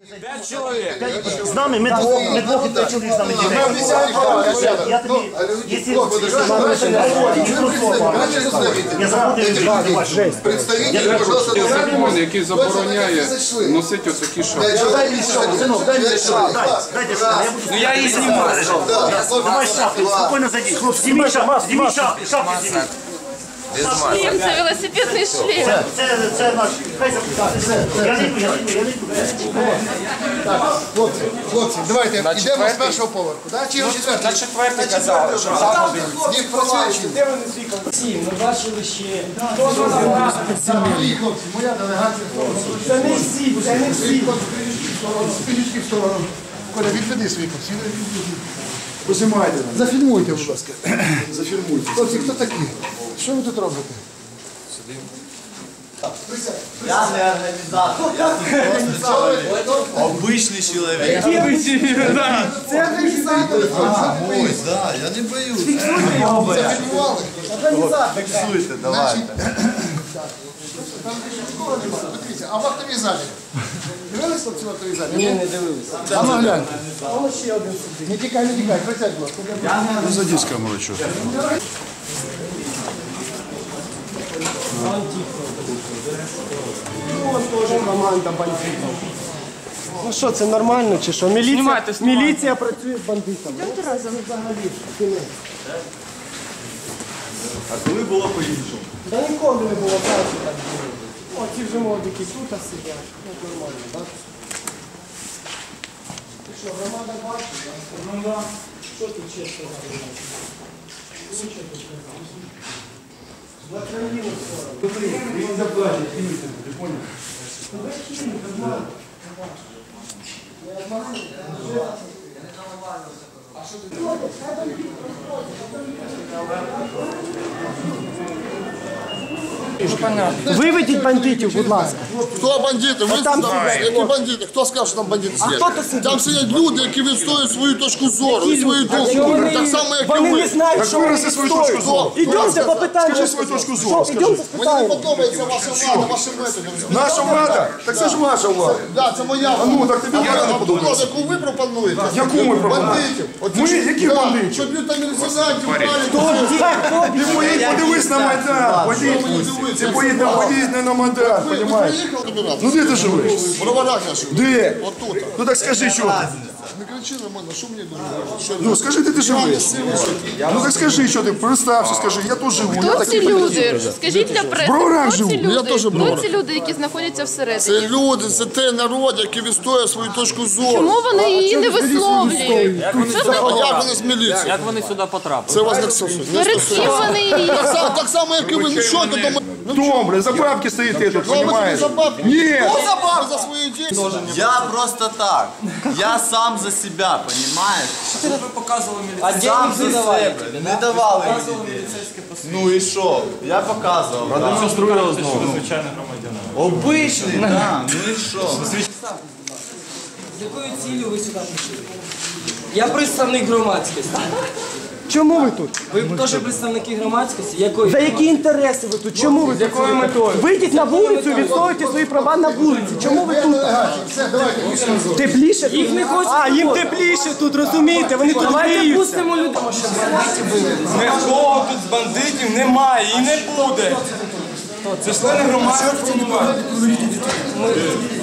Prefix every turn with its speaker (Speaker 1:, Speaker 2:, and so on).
Speaker 1: 5 чоловік.
Speaker 2: З нами, ми двох і 5 чоловік з нами ділимо. Я тобі, якщо я заходив,
Speaker 3: Представитель, пожалуйста,
Speaker 4: Закон, який забороняє носити отакі шапки.
Speaker 2: синок, дай мені шапку, дайте шапку.
Speaker 1: Ну я її знімаю.
Speaker 2: Давай шапку, спокійно зайди. Зніміть шапку, шапку зніміть.
Speaker 5: Шлем, це велосипедний шлем.
Speaker 2: Це наш, хай запитає. Я не йду.
Speaker 3: Хлопці, давайте йдемо з першого поверху. Чи його четвертий?
Speaker 1: На четвертий казали, що там один.
Speaker 3: Ні, працюючи.
Speaker 6: Ми бачили ще.
Speaker 3: Мої хлопці, моя делегація.
Speaker 6: Це не всі, це не всі.
Speaker 3: Спинічки в сторону. Коля, відведи свої посіли. Позимайте. Зафільмуйте, будь ласка. Зафільмуйте. Хлопці, хто такі? Що ви тут робите?
Speaker 7: Я не організатор, я обичний чоловік.
Speaker 6: Це організатор.
Speaker 7: Ой, да, я не боюсь.
Speaker 3: Зафільмували?
Speaker 7: Фіксуйте, давайте.
Speaker 3: Дивіться, а в актовій залі? Дивились хлопці в актовій залі? Ні,
Speaker 6: Не дивилися.
Speaker 3: А ну гляньте.
Speaker 6: Воно ще один сидить.
Speaker 3: Не тікай, присядь, будь ласка.
Speaker 4: Садись, камеру, що?
Speaker 6: Ну, теж команда бандитів. Ну що, це нормально чи що? Міліція працює з бандитами.
Speaker 5: Йдемте разом.
Speaker 7: А коли було по-іншому?
Speaker 6: Та ніколи не було праці так було. О, ці вже молодики тут сидять. Ну, нормально, так? Ти що, громада бачить? Ну, да. Що ти чесно говориш? Ну, що ти сказав? За країну сторону.
Speaker 3: Він заплатить, фініть, ти поняв?
Speaker 6: Виведіть бандитів, будь ласка.
Speaker 3: Хто бандити? Ви
Speaker 6: там
Speaker 3: які бандити? Хто сказав, що там бандити сидять?
Speaker 6: хто тут сидить?
Speaker 3: Там сидять люди, які відстоюють свою точку зору, і свою думку. Так само, як і
Speaker 6: Вони не
Speaker 3: ви.
Speaker 6: знають, що вони
Speaker 4: свою точку
Speaker 6: відстоюють.
Speaker 4: зору.
Speaker 6: Ідемте по питанню.
Speaker 4: Скажи свою точку зору,
Speaker 6: Що, ідемте
Speaker 3: Мені не
Speaker 6: спитаємо.
Speaker 3: подобається ваша влада, ваші методи.
Speaker 4: Наша влада? Так це ж ваша влада.
Speaker 3: Так, це моя влада.
Speaker 4: Ну, так тобі влада не подобається.
Speaker 3: Яку ви пропонуєте?
Speaker 4: Яку ми пропонуємо?
Speaker 3: Бандитів. От
Speaker 4: Ми?
Speaker 3: ці-
Speaker 4: Які
Speaker 3: Да,
Speaker 4: бандитів?
Speaker 3: Що б'ють там міліціонантів,
Speaker 4: Ти поїдь, подивись на Майдан. Ти поїдь на Майдан,
Speaker 3: Ви
Speaker 4: розумієш?
Speaker 3: приїхали до нас?
Speaker 4: Ну де ти живеш?
Speaker 3: В Броварах я живу.
Speaker 4: Де?
Speaker 3: Отут.
Speaker 4: Ну так скажи, що ти?
Speaker 3: Не кричи на мене, що мені думаєш?
Speaker 4: Ну скажи, де ти живеш? Ну так скажи, що ти, представся, скажи, я тут живу. Я
Speaker 5: Хто ці
Speaker 4: такий
Speaker 5: люди? Скажіть для преси,
Speaker 4: Броварах
Speaker 5: хто
Speaker 4: живу.
Speaker 5: ці
Speaker 3: Я
Speaker 5: люди?
Speaker 3: теж в
Speaker 5: Хто
Speaker 3: Броварах.
Speaker 5: ці люди, які знаходяться всередині?
Speaker 3: Це люди, це той народ, який відстоює свою точку зору.
Speaker 5: Чому вони її не висловлюють?
Speaker 3: А як вони з міліції?
Speaker 1: Як вони сюди потрапили?
Speaker 3: Це вас не стосується. Не
Speaker 5: Перед
Speaker 3: стосується.
Speaker 5: чим вони її?
Speaker 3: Так само, як і ви. Ну що ти думаєш?
Speaker 4: Добре, за бабки стоїте тут,
Speaker 3: Ну, ви
Speaker 4: розумієш?
Speaker 3: за бабки.
Speaker 4: Ні.
Speaker 3: Хто за бабки? За свої дії.
Speaker 7: Я просто так. Я сам за себя, понимаешь?
Speaker 1: Що ви показували міліцію?
Speaker 7: Сам за себе. Не давали мені дітей. Ну і що? Я показував. Продемонстрував знову. Звичайний громадянин. Обичний, так. Ну і що?
Speaker 8: З якою цілею ви сюди прийшли? Я представник громадськості.
Speaker 6: Чому ви тут?
Speaker 8: Ви теж представники громадськості? Якої?
Speaker 6: За які інтереси ви тут? Чому ви? З якою метою? Вийдіть на вулицю і відстоюйте свої права на вулиці. Чому ви тут?
Speaker 3: Все, давайте, пішли.
Speaker 6: Тепліше?
Speaker 8: Їх не хочуть.
Speaker 6: А, їм тепліше тут, розумієте? Вони тут
Speaker 8: Давайте
Speaker 6: гріються.
Speaker 8: пустимо людей.
Speaker 1: Нікого тут з бандитів немає і не буде. Це члени громадськості немає.